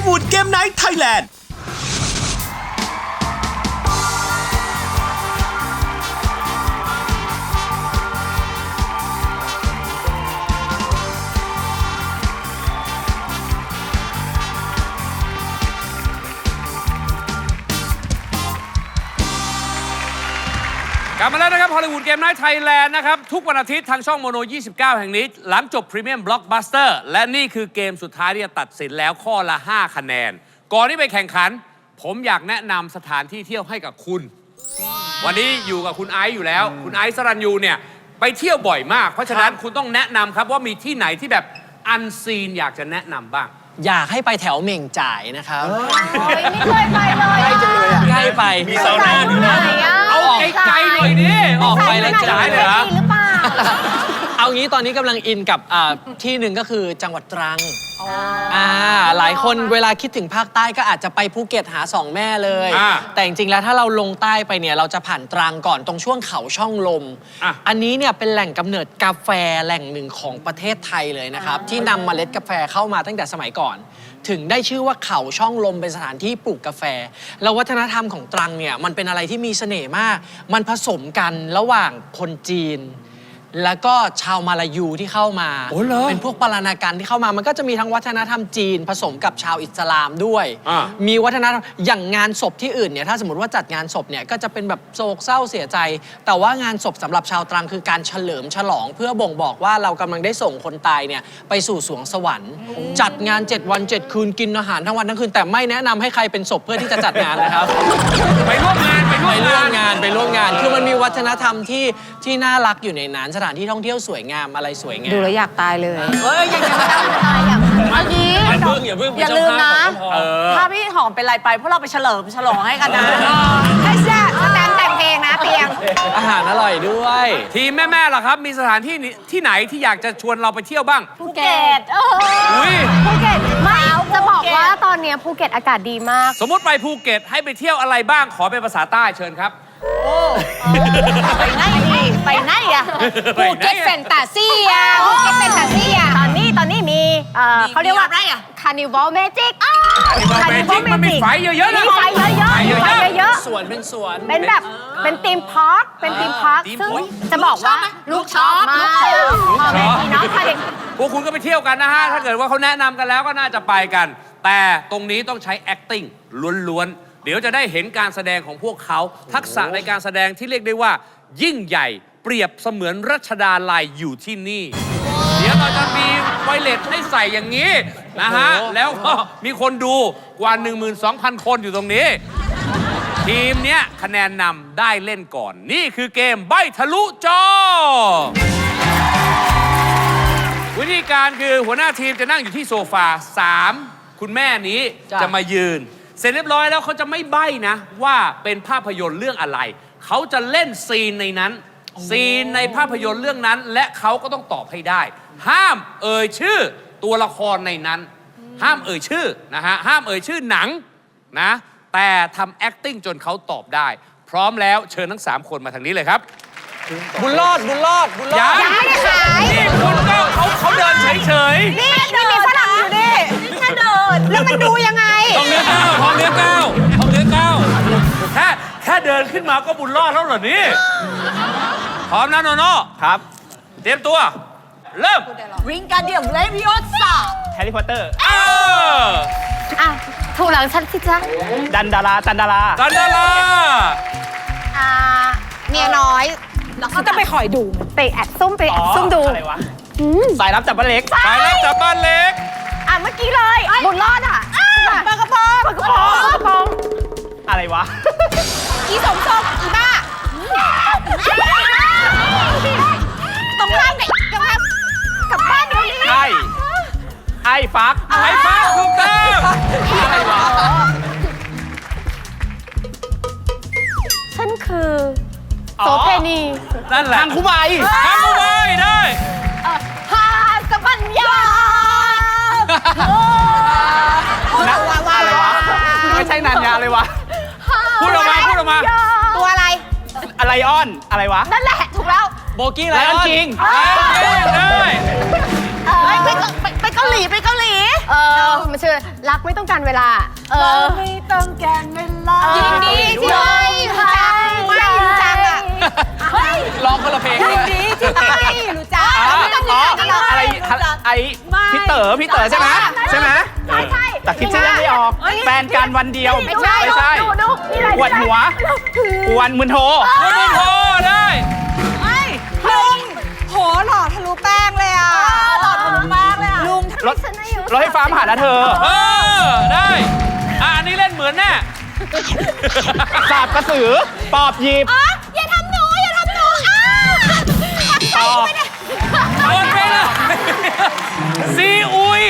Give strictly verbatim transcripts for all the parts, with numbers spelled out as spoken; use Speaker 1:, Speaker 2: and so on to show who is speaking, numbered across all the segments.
Speaker 1: ลลีวูดเกมไนท์ไทยแลนด์
Speaker 2: กลับมาแล้วนะครับฮอลลีวูดเกมไนท์ไทยแลนด์นะครับทุกวันอาทิตย์ทางช่องโมโนยี่สิบเก้าแห่งนี้หลังจบพรีเมียมบล็อกบัสเตอร์และนี่คือเกมสุดท้ายที่จะตัดสินแล้วข้อละห้าคะแนนก่อนที่ไปแข่งขันผมอยากแนะนำสถานที่เที่ยวให้กับคุณ วันนี้อยู่กับคุณไอซ์อยู่แล้วคุณไอซ์สรัญยูเนี่ยไปเที่ยวบ่อยมากเพราะฉะนั้นคุณต้องแนะนำครับว่ามีที่ไหนที่แบบอันซีนอยากจะแนะนำบ้าง
Speaker 3: อยากให้ไปแถวเหม่งจ่ายนะครับ
Speaker 4: ไม่เคยไปเลยใกล้จังเลย
Speaker 3: ใกล้ไป
Speaker 1: มีซาวน่าอยู่นะ
Speaker 2: เอาไกลๆหน่อยดิ
Speaker 3: ออกไปแล้วจ่ายเลยเหรอ
Speaker 4: หรือเปล่า
Speaker 3: เอางี้ตอนนี้กำลังอินกับที่หนึ่งก็คือจังหวัดตรังอ่าหลายคนเวลาคิดถึงภาคใต้ก็อาจจะไปภูเก็ตหาสองแม่เลยแต่จริงๆแล้วถ้าเราลงใต้ไปเนี่ยเราจะผ่านตรังก่อนตรงช่วงเขาช่องลม อ, อันนี้เนี่ยเป็นแหล่งกำเนิดกาแฟแหล่งหนึ่งของประเทศไทยเลยนะครับที่นำเมล็ดกาแฟเข้ามาตั้งแต่สมัยก่อนถึงได้ชื่อว่าเขาช่องลมเป็นสถานที่ปลูกกาแฟแล้ววัฒนธรรมของตรังเนี่ยมันเป็นอะไรที่มีเสน่ห์มากมันผสมกันระหว่างคนจีนแล้วก็ชาวมาลายูที่เข้ามาเป็นพวกปาราณากันที่เข้ามามันก็จะมีทั้งวัฒนธรรมจีนผสมกับชาวอิสลามด้วยมีวัฒนธรรมอย่างงานศพที่อื่นเนี่ยถ้าสมมติว่าจัดงานศพเนี่ยก็จะเป็นแบบโศกเศร้าเสียใจแต่ว่างานศพสำหรับชาวตรังคือการเฉลิมฉลองเพื่อบ่งบอกว่าเรากำลังได้ส่งคนตายเนี่ยไปสู่สวงสวรรค์จัดงานเจ็ดวันเจ็ดคืนกินอาหารทั้งวันทั้งคืนแต่ไม่แนะนำให้ใครเป็นศพเพื่อที่จะจัดงานนะครับ
Speaker 2: ไปร่วมงานไป
Speaker 3: ร่วมงานไปร่วมงานคือมันมีวัฒนธรรมที่ที่น่ารักอยู่ในนั้นสถานที่ท่องเที่ยวสวยงามอะไรสวยงาม
Speaker 4: ดูแล้วอยากตายเลย
Speaker 3: เฮ้ยอยากจะ
Speaker 4: ตายอย่างเมื่อกี้
Speaker 3: อย่าลืมนะ
Speaker 4: ถ้าพี่หอมเป็นไรไปพวกเราไปเฉลิมฉลองให้กันนะให้แซ่บสแตนแต่งเพลงนะเตียง
Speaker 3: อาหารอร่อยด้วย
Speaker 2: ทีมแม่ๆล่ะครับมีสถานที่ที่ไหนที่อยากจะชวนเราไปเที่ยวบ้าง
Speaker 4: ภูเก็ตเออภูเก็ตไม่จะบอกว่าตอนนี้ภูเก็ตอากาศดีมาก
Speaker 2: สมมติไปภูเก็ตให้ไปเที่ยวอะไรบ้างขอเป็นภาษาใต้เชิญครับ
Speaker 4: โอ้ไปไหนไปไหนอะภูเก็ตแฟนตาซีอะภูเก็ตแฟนตาซีอะตอนนี้ตอนนี้มีเขาเรียกว่าอะไรอะคาร์นิวัลเมจิก
Speaker 2: คาร์นิวัลเมจิกมันมีไฟเยอะๆนะ
Speaker 4: มีไฟเยอะๆไฟเยอะ
Speaker 3: ๆสวนเป็นสวน
Speaker 4: เป็นแบบเป็นธีมพาร์คเป็นธีมพาร์คซึ่งจะบอกว่าลูกชอบมากพ่อแม่พี่น้องค่ะเด็ก
Speaker 2: พวกคุณก็ไปเที่ยวกันนะฮะถ้าเกิดว่าเขาแนะนำกันแล้วก็น่าจะไปกันแต่ตรงนี้ต้องใช้ acting ล้วนๆเดี๋ยวจะได้เห็นการแสดงของพวกเขาทักษะในการแสดงที่เรียกได้ว่ายิ่งใหญ่เปรียบเสมือนรัชดาลัยอยู่ที่นี่เดี๋ยวเราจะมีไวเลสให้ใส่อย่างนี้นะฮะแล้วก็มีคนดูกว่า หนึ่งหมื่นสองพัน คนอยู่ตรงนี้ทีมเนี้ยคะแนนนำได้เล่นก่อนนี่คือเกมใบ้ทะลุจอวิธีการคือหัวหน้าทีมจะนั่งอยู่ที่โซฟาสามคุณแม่นี้จะมายืนเสร็จเรียบร้อยแล้วเขาจะไม่ใบ้นะว่าเป็นภาพยนตร์เรื่องอะไรเขาจะเล่นซีนในนั้นซีนในภาพยนตร์เรื่องนั้นและเขาก็ต้องตอบให้ได้ห้ามเอ่ยชื่อตัวละครในนั้นห้ามเอ่ยชื่อนะฮะห้ามเอ่ยชื่อหนังนะแต่ทำ acting จนเขาตอบได้พร้อมแล้วเชิญทั้งสามคนมาทางนี้เลยครับ
Speaker 3: บุญรอดบุญรอดบุญรอด
Speaker 4: ยังไม่ได้ขาย
Speaker 2: นี่คุณก็เขาเขาเดินเฉย
Speaker 4: ๆนี่นี่มีฝรั่งอยู่ดิแค่เดินแล้วมันดูยังไง
Speaker 2: ทองเนื้อก้าวทองเนื้อก้าวทองเนื้อก้าวแค่แค่เดินขึ้นมาก็บุญรอดแล้วเหรอนี่พร้อมนะโนโน่
Speaker 3: ครับ
Speaker 2: เตรียมตัวเริ่ม
Speaker 4: วิงการเดียมเลวิโอซ่า
Speaker 3: แฮร์รี่พอตเตอร์
Speaker 2: เออ
Speaker 4: อ่ะถูกหลังฉันสิจ๊ะ
Speaker 3: ดันดาราจันดารา
Speaker 2: จันดารา
Speaker 4: อ่าเมียน้อยแล้วเขาจะไปคอยดูไปแอบซุ่มไปแอบซุ่มดู
Speaker 3: อะไรวะสายลับจับบ้านเล็ก
Speaker 2: สายลับจับบ้านเล็ก
Speaker 4: อ่ะเมื่อกี้เลยบุญรอดอ่ะปากกระป๋องปากกระป๋องปากกระป๋อง
Speaker 3: อะไรวะ
Speaker 4: อีสมทรงอีบ้าตรงข้ามกับกำแพงกับบ้านนี้
Speaker 3: ใช่ไอ้ฟัก
Speaker 2: ไอ้ฟักถูกต้อง
Speaker 3: อะไรวะ
Speaker 4: ฉันคือโสเพณี
Speaker 2: นั่นแหละ
Speaker 3: ทางคุไบ
Speaker 2: ทางคุไบได้
Speaker 4: ฮาสปัญญา
Speaker 3: นักว่าว่าอะไรวะไม่ใช่นันยาเลยวะ
Speaker 2: พูดออกมาพูดออกมา
Speaker 4: ตัวอะไร
Speaker 3: อะไรออนอะไรวะ
Speaker 4: นั่นแหละถูกแล้ว
Speaker 3: โบกี้ไลออนจริง
Speaker 2: ได้
Speaker 4: ไปไปเกาหลีไปเกาหลีเออมันชื่อรักไม่ต้องการเวลา เออ
Speaker 5: ไม่ต้องการเวลา
Speaker 4: ยินดีที่ได้รู้จักไม่รู้จักอ่ะเฮ้ย
Speaker 3: ร้องคนละเพลง
Speaker 5: ยินดีที่ได้รู้จัก
Speaker 4: ไม่ต้องรู้จักกันหรอก
Speaker 6: อะไรไอ้พี่เต๋อพี่เต๋อใช่ไหมใช่ไหม
Speaker 4: ใช่ใช่
Speaker 6: แต่คิดชื่อเรื่องไม่ออก แฟนกันวันเดียว
Speaker 4: ไม่ใช่
Speaker 6: ไม่ใช่
Speaker 4: ดูดูนี่อะไร
Speaker 6: ปวดหัวกวนมึนโท
Speaker 2: คุณบุญโทได้
Speaker 5: ลุงโหหล่อทะลุแป้งเลยอ่ะหล่อทะลุแป้งเลยอ่ะลุง
Speaker 6: รถรถไฟฟ้ามาหานะเธอ
Speaker 2: เออ ได้ อ่ะ อันนี้เล่นเหมือนแน่
Speaker 6: สาบกระสือ ปอบหยิบ
Speaker 4: อย่าทำหนูอย่าทำหนูอ้า
Speaker 6: ตอบ
Speaker 2: โดนไปเลยซีอุย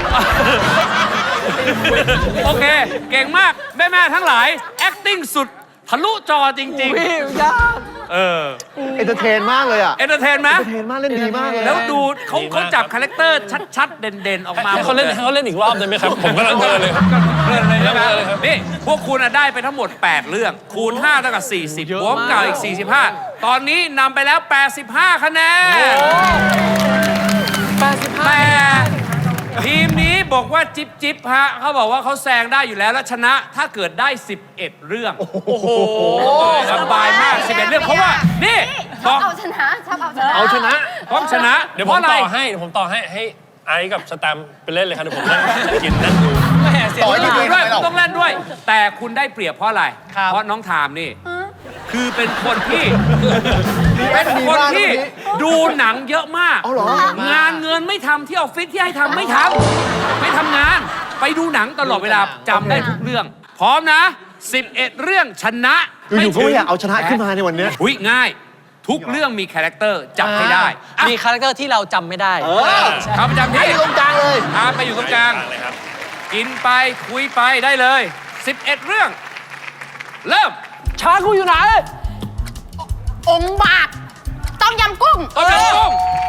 Speaker 2: โอเค เก่งมาก แม่ ๆ ทั้งหลาย acting สุด ทะลุจอจริง ๆ
Speaker 3: ยาก
Speaker 2: เออ
Speaker 7: เอนเตอร์เทนมากเลยอ่ะ
Speaker 2: เอนเตอร์เทนไหม
Speaker 7: เทนมากเล่นดีมากเลย
Speaker 2: แล้วดูเขาเขาจับคาแรคเตอร์ชัด ๆ เด่น ๆ ออกมา
Speaker 8: ให้เขาเล่นให้เขาเล่นอีกรอบได้ไหมครับ ผมกำลังเพลินเลยครับ
Speaker 2: เรื่องเลยนะครับ
Speaker 8: เรื่องเลยครับ
Speaker 2: นี่ พวกคุณอะได้ไปทั้งหมด แปด เรื่อง คูณ ห้า เท่ากับ สี่สิบ บวกเก่าอีก สี่สิบห้า ตอนนี้นำไปแล้ว แปดสิบห้า คะแนน
Speaker 3: แปดสิบห้า
Speaker 2: แต่ทีมนี้บอกว่าจิ๊บจิ๊บฮะเขาบอกว่าเขาแซงได้อยู่แล้ว และชนะถ้าเกิดได้ สิบเอ็ด เรื่อง โอ้โหสบายมาก สิบเอ็ด เรื่องเพราะว่า นี่
Speaker 4: ช
Speaker 2: บ
Speaker 4: อ
Speaker 2: อบ ก
Speaker 4: เอาชนะชอบเอาชนะ
Speaker 7: เอาชนะ
Speaker 2: พร้อมชนะ
Speaker 8: เดี๋ยว
Speaker 2: เพ
Speaker 8: ผม
Speaker 2: ราะอะไร
Speaker 8: ต่อให้เดี๋ยวผมต่อให้ให้ไอซ์กับสแตมป์ไปเล่นเลยครับเดี๋ยวผมนั่งกินนั่งดู
Speaker 3: แม่เสีย
Speaker 7: ต่อ
Speaker 3: เว
Speaker 7: ให้
Speaker 3: ลา
Speaker 7: ดี
Speaker 2: ด้วยคุณต้องเล่นด้วย แต่คุณได้เปรียบเพราะอะไร
Speaker 3: ครับ
Speaker 2: เพราะน้องทามนี่ คือเป็นคนที่ เป็น
Speaker 7: ดี
Speaker 2: คน
Speaker 7: มาก
Speaker 2: ที่
Speaker 7: ตรงนี้
Speaker 2: ดูหนังเยอะมาก
Speaker 7: เอาเหรอ
Speaker 2: งานเงินไม่ทำที่ออฟฟิศที่ให้ทำไม่ทำไม่ทำงาน ไปดูหนังตลอดเวลาจำได้ทุกเรื่อง พร้อมนะ สิบเอ็ด เรื่องชนะ
Speaker 7: อยู่ๆก็ไม่อยากเอาชนะขึ้นมาในวันเนี้ย
Speaker 2: อุ้ยง่าย ทุกเรื่องมีคาแรคเตอร์จับให้ได้อ่ะ
Speaker 3: มีคาแรคเตอร์ที่เราจำไม่ได้
Speaker 2: เขาประจำที่
Speaker 7: ตรงกลางเลย
Speaker 2: พาไปอยู่ตรงกลาง
Speaker 8: เลยครับ
Speaker 2: กินไปคุยไปได้เลย สิบเอ็ด เรื่อง เริ่ม
Speaker 3: ช้ากูอยู่ไหน
Speaker 4: องค์บากต้มยำกุ้ง
Speaker 2: ต้มยำกุ้ง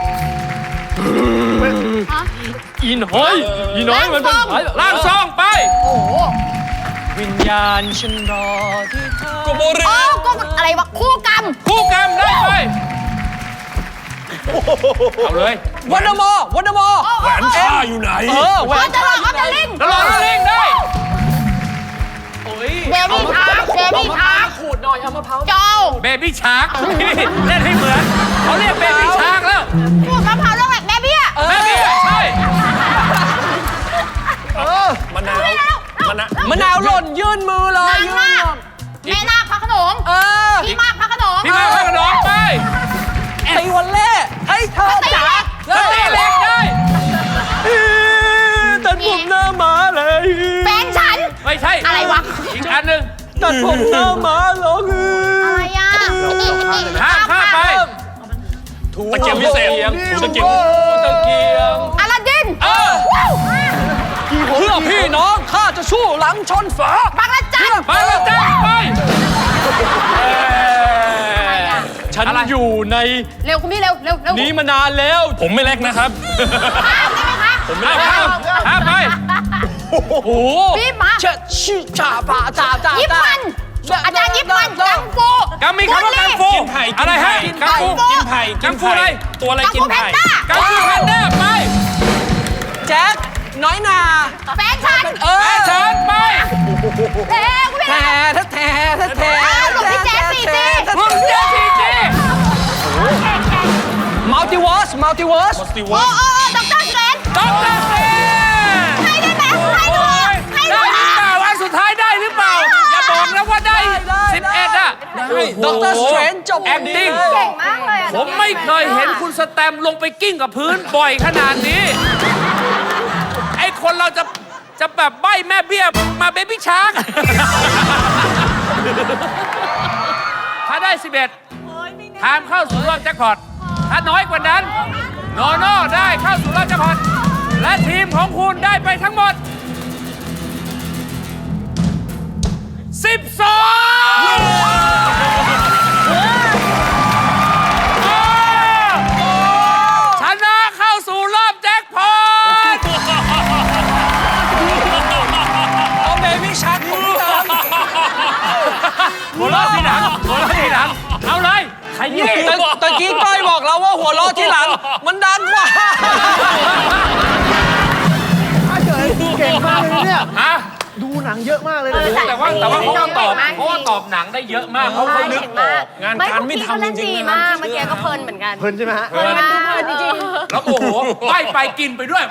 Speaker 3: อีน้อยอีน้อยมันเป็น
Speaker 2: ล่างซองไป
Speaker 4: โอ้โห
Speaker 3: วิญญาณฉันรอที่เธอ
Speaker 8: โกโบริ
Speaker 4: โอ้ก็อะไรวะคู่กรรม
Speaker 2: คู่กรรมได้ไป เอาเลย
Speaker 3: วันเดอร์มอร์วันเดอร์มอร์
Speaker 8: แหวนข้าอยู่ไหน
Speaker 3: เออแหว
Speaker 4: เออน จะหลอกเอาจะลิง
Speaker 2: แล้วรอแล้วเล่งได้
Speaker 4: เบบี้ทาร์เบบี้ทาร์
Speaker 3: ขูดหน่อยเอามะพร้าว
Speaker 4: โจ
Speaker 2: เบบี้ชาร์กเล่นให้เหมือน เขาเรียกเบบี้ชาร์กแล้ว
Speaker 4: พูดมะพร้าวเรื่องอะไรแม่เบี้ย
Speaker 2: เบบี้ใช่
Speaker 8: มะนาวมะนาว
Speaker 3: มะนาวหล่นยื่นมือเลย
Speaker 4: นาง
Speaker 3: ยื่น
Speaker 4: นา
Speaker 3: มื
Speaker 4: ค
Speaker 3: อ
Speaker 4: แม่นาคพระโขนง
Speaker 3: เออ
Speaker 4: พี่มากพระโขนง
Speaker 2: พี่มาข้างน้องไป
Speaker 3: ตีวันเล่เฮ้ยเธอจ๋า
Speaker 2: สตีเล็กได้
Speaker 3: ตัดผมหน้าหมาเลย
Speaker 4: แฟนฉัน
Speaker 2: ไม่ใช่
Speaker 4: อะไรวะ
Speaker 2: อีกอันหนึ่ง
Speaker 3: ตัดผมหน้าหมาเหรอ
Speaker 4: อะไรอ่ะ
Speaker 2: ข้ามข้ามไป
Speaker 8: ตะเกียบพิเศษถูตะเกียบ
Speaker 3: ตะเกียง
Speaker 4: อลาดิน
Speaker 2: เออ
Speaker 3: เพื่อพี่น้องข้าจะสู้หลังชนฝา
Speaker 4: บางระจัน
Speaker 2: มาแล้วจ้าไป
Speaker 3: ฉันอยู่ใน
Speaker 4: เร็วคุณพี่เร็วเร็วเร็ว
Speaker 3: นี้มานานแล้ว
Speaker 8: ผมไม่เล็กนะครับ
Speaker 4: ข้ามได้ไหมคะ
Speaker 8: ผมไม่
Speaker 2: ข้าม
Speaker 8: เล็ก
Speaker 2: ข้ามข้ามไป
Speaker 3: โอ้โห
Speaker 4: พี่มา
Speaker 3: เชดชื่อจ่าป่าจ่าจ่า
Speaker 4: ยิปมันอาจารย์ยิปมันกังฟู
Speaker 2: กัมมีคำว่ากังฟู
Speaker 8: กินไผ่กิ
Speaker 2: อะ
Speaker 8: น
Speaker 2: ไรฮะ
Speaker 8: ไผ่
Speaker 2: กังฟู
Speaker 8: กินไผ่
Speaker 2: กั
Speaker 8: กิ
Speaker 2: ง
Speaker 8: น
Speaker 2: ฟูอะไร
Speaker 8: ไผ่ตัวอะไร
Speaker 4: กัง
Speaker 8: กิ
Speaker 4: ฟู
Speaker 8: น
Speaker 4: แพน
Speaker 8: ไผ่
Speaker 4: ด้า
Speaker 2: กังฟูแพนด้าไป
Speaker 3: แจ็คน้อยนา
Speaker 4: แฟนฉัน
Speaker 3: เอ
Speaker 2: แฟ
Speaker 3: อ
Speaker 2: ชั่นไป
Speaker 4: เร็วคุณ
Speaker 3: แท
Speaker 4: พี่
Speaker 3: แทแทแท
Speaker 4: หลวงพี่แจ๊สสี่จี
Speaker 2: รุ่นเจซีจี
Speaker 3: มัลติเวิร์สมัลติเวิร์ส
Speaker 8: สตีว
Speaker 4: โอ้
Speaker 8: อ
Speaker 4: โอ้ด็อกเตอร์สเตรน
Speaker 2: ด็อกเตอร์สเตรน
Speaker 4: ให้ได้ไหมให้ดูให้
Speaker 2: ได้
Speaker 4: ดู
Speaker 2: หรือเปล่าอันสุดท้ายได้หรือเปล่า อย่าบอกนะว่าได้สิบเอ็ดอ่ะ
Speaker 3: ด็อกเตอร์สเตรนจบ
Speaker 2: แอคติ้ง
Speaker 4: เก่งมากเลยอ่ะ
Speaker 2: ผมไม่เคยเห็นคุณสแตมลงไปกิ้งกับพื้นบ่อยขนาดนี้ ไอ้คนเราจะจะแบบใบ้แม่เบี้ยมาเบบี้ชาร์กถ้าได้สิบเอ็ดทามเข้าสู่รอบแจ็คพอตถ้าน้อยกว่านั้นโนโน่ได้เข้าสู่รอบแจ็คพอตและทีมของคุณได้ไปทั้งหมดสิบสองชนะเข้าสู่รอบแจ็คพอต
Speaker 3: เอาเบบี้ชักของพี่ตาม
Speaker 2: หัวเราะทีหลังหัวเราะทีหลัง เอาเลยขยี้
Speaker 3: ตะตะกี้ก้อยบอกเราว่าหัวเราะที่หลัง มันดังกว่า
Speaker 7: เก่งมากเลยเนี่ย
Speaker 2: ฮะ
Speaker 7: ดูหนังเยอะมากเลยนะ
Speaker 2: แต่ว่าแต่ว่าเขาก็ตอบเพราะว่าตอบหนังได้เยอะมากเพราะเขานึกออก
Speaker 8: งาน
Speaker 4: ไม่
Speaker 8: การ
Speaker 4: พวก
Speaker 8: ไม่
Speaker 4: พี่เขา
Speaker 8: ทำจ
Speaker 4: เล่น
Speaker 8: ริง
Speaker 4: ดี
Speaker 8: ๆนะ
Speaker 4: มากเมื่อกี้ก็เพลินเหมือนกัน
Speaker 7: เพลินใช่ไหมฮะ
Speaker 4: เพลินมากจริง
Speaker 2: แล้วโอ้โหไปไปกินไปด้วย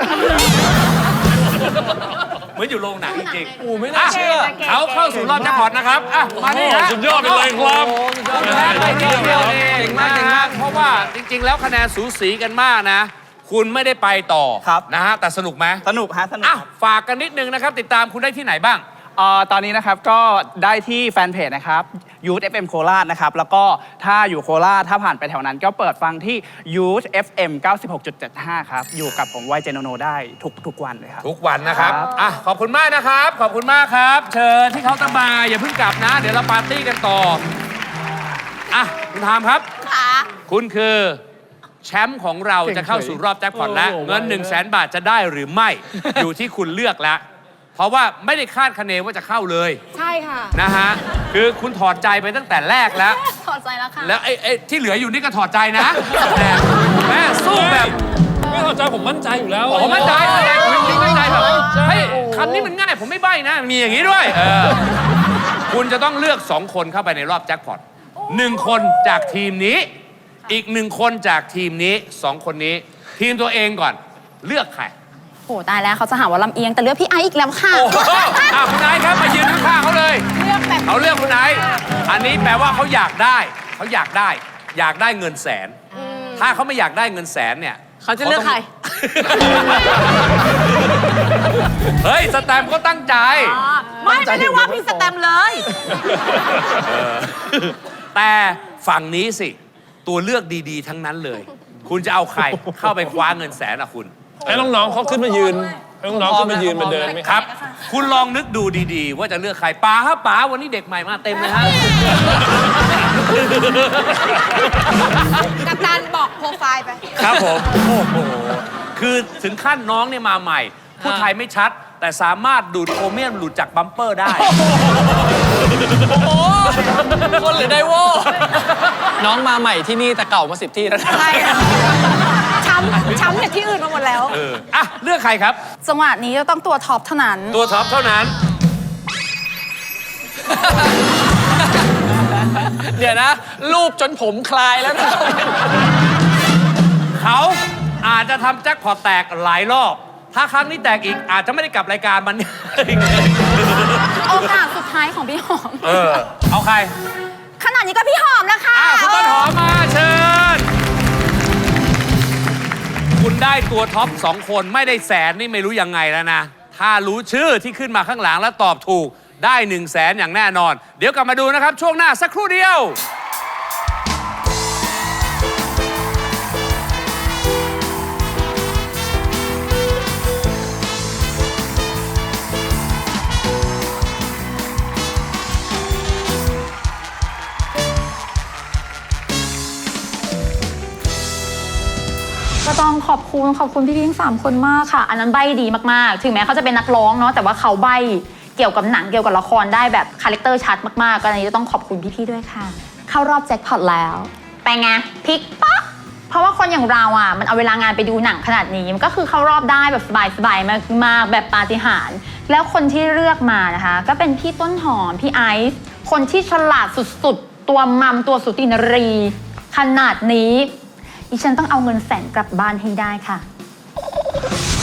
Speaker 2: เหมือนอยู่โรงหนังจริงๆ
Speaker 3: โอ้ไม่น่าเชื่อ
Speaker 2: เขาเข้าสู่รอบแจ็คพอตนะครับอ่ะมานี่ฮะ
Speaker 8: สุดยอดไปเลยครับ
Speaker 2: คุณแพ้ไปนิดเดียวเองนะฮะเพราะว่าจริง ๆ แล้วคะแนนสูสีกันมากนะ คุณไม่ได้ไปต่อ
Speaker 6: ครับ
Speaker 2: นะฮะแต่สนุกไหม
Speaker 6: สนุกฮะสนุก
Speaker 2: อ่ะ
Speaker 6: ครับ
Speaker 2: ฝากกันนิดนึงนะครับ ติดตามคุณได้ที่ไหนบ้าง
Speaker 6: เอ่อตอนนี้นะครับก็ได้ที่แฟนเพจนะครับ Youth เอฟ เอ็ม โคราชนะครับ แล้วก็ถ้าอยู่โคราชถ้าผ่านไปแถวนั้นก็เปิดฟังที่ Youth เอฟ เอ็ม เก้าสิบหกจุดเจ็ดห้า ครับ อยู่กับผมไวเจโนโนได้ทุกทุกวันเลยครับ
Speaker 2: ทุกวันนะครับ
Speaker 6: ครับ
Speaker 2: อ่ะ ขอบคุณมากนะครับ ขอบคุณมากครับ เชิญที่เขาน์เตะมาอย่าเพิ่งกลับนะ เดี๋ยวเราปาร์ตี้กันต่อ อ่ะ คุณทามครับ
Speaker 4: ค่ะ
Speaker 2: คุณคือแชมป์ของเราจะเข้าสู่รอบแจ็คพอตแล้ว เงิน1นึ่งแสนบาทจะได้หรือไม่ อยู่ที่คุณเลือกแล้ว เพราะว่าไม่ได้คาดคะเนว่าจะเข้าเลย
Speaker 4: ใช่ค่ะ
Speaker 2: นะฮะ คือคุณถอดใจไปตั้งแต่แรกแล้ว
Speaker 4: ถอดใจแล้วค่ะ
Speaker 2: แล้วไอ้ไอ้ที่เหลืออยู่นี่ก็ถอดใจนะแต่แม่สู้แบบ
Speaker 8: ไม่เข้าใจผมมั่นใจอยู่แล้ว
Speaker 2: ผมมั่นใจมั่นใจจริงๆมั่นใจแบบเฮ้ยคำนี้มันง่ายผมไม่ใบ้นะ มีอย่างนี้ด้วยเออคุณจะต้องเลือกสองคนเข้าไปในรอบแจ็คพอตหนึ่งคนจากทีมนี้ อีกหนึ่งคนจากทีมนี้สองคนนี้ ทีมตัวเองก่อนเลือกใคร
Speaker 4: โหตายแล้วเขาจะหาว่าลำเอียงแต่เลือกพี่ไอซ์อีกแล้วค่ะ
Speaker 2: โอ้โหอ่ะคุณไอซ์ครับมายืนข้างๆเขาเลย
Speaker 4: เลือกแบบ
Speaker 2: เขาเลือกคุณไอซ์อันนี้แปลว่าเขาอยากได้เขาอยากได้ อยากได้เงินแสน ถ้าเขาไม่อยากได้เงินแสนเนี่ย
Speaker 3: เขาจะเลือกใคร
Speaker 2: เฮ้ย สแตมป์ก็ตั้งใจ
Speaker 5: ไม่ไม่ได้ว่าพี่สแตมเลย
Speaker 2: แต่ฝั่งนี้สิ ตัวเลือกดีๆ ทั้งนั้นเลย คุณจะเอาใครเข้าไปคว้าเงินแสนอะคุณ
Speaker 8: ให้น้องๆเขาขึ้นมายืนให้น้องๆขึ้นมายืนมาเดินไหม
Speaker 2: ครับ คุณลองนึกดูดีๆ ว่าจะเลือกใครป๋าครับป๋าวันนี้เด็กใหม่มาเต็มเลยฮะ
Speaker 5: กัปตันบอกโปรไฟล์ไป
Speaker 2: ครับผม โอ้โห คือถึงขั้นน้องเนี่ยมาใหม่ พูดไทยไม่ชัด แต่สามารถดูดโครเมียมหลุดจากบัมเปอร์ได้
Speaker 3: โอ้คนหรือไดโวน้องมาใหม่ที่นี่แต่เก่ามาสิบที่แล้วนะ
Speaker 5: ใช่ช้ำช้ำจากที่อื่นมาหมดแล้ว
Speaker 2: เออ อ่ะ เลือกใครครับ
Speaker 4: จังหวะนี้จะต้องตัวท็อปเท่านั้น
Speaker 2: ตัวท็อปเท่านั้น
Speaker 3: เดี๋ยวนะ รูปจนผมคลายแล้วนะ
Speaker 2: เขาอาจจะทำแจ็คพอตแตกหลายรอบ ถ้าครั้งนี้แตกอีกอาจจะไม่ได้กลับรายการมัน
Speaker 4: โอกาสสุดท้ายของพี่หอม
Speaker 2: เออ เอาใคร
Speaker 4: ขนาดนี้ก็พี่หอมนะคะ
Speaker 2: อ้าวคุณต้นหอมมาเชิญ คุณได้ตัวท็อปสองคนไม่ได้แสนนี่ไม่รู้ยังไงแล้วนะ ถ้ารู้ชื่อที่ขึ้นมาข้างหลังแล้วตอบถูกได้หนึ่งแสนอย่างแน่นอน เดี๋ยวกลับมาดูนะครับ ช่วงหน้าสักครู่เดียว
Speaker 9: ก็ต้องขอบคุณขอบคุณพี่ๆทั้งสามคนมากค่ะ อันนั้นใบ้ดีมากๆ ถึงแม้เขาจะเป็นนักร้องเนาะแต่ว่าเขาใบ้เกี่ยวกับหนังเกี่ยวกับละครได้แบบคาแรคเตอร์ชัดมากๆก็อันนี้จะต้องขอบคุณพี่ๆด้วยค่ะ เข้ารอบแจ็คพอตแล้วไปไงพลิกป๊อกเพราะว่าคนอย่างเราอ่ะมันเอาเวลางานไปดูหนังขนาดนี้มันก็คือเข้ารอบได้แบบสบายๆมากๆแบบปาฏิหาริย์แล้วคนที่เลือกมานะคะก็เป็นพี่ต้นหอมพี่ไอซ์คนที่ฉลาดสุดๆตัวมัมตัวสุตินรีขนาดนี้ดิฉันต้องเอาเงินแสนกลับบ้านให้ได้ค่ะ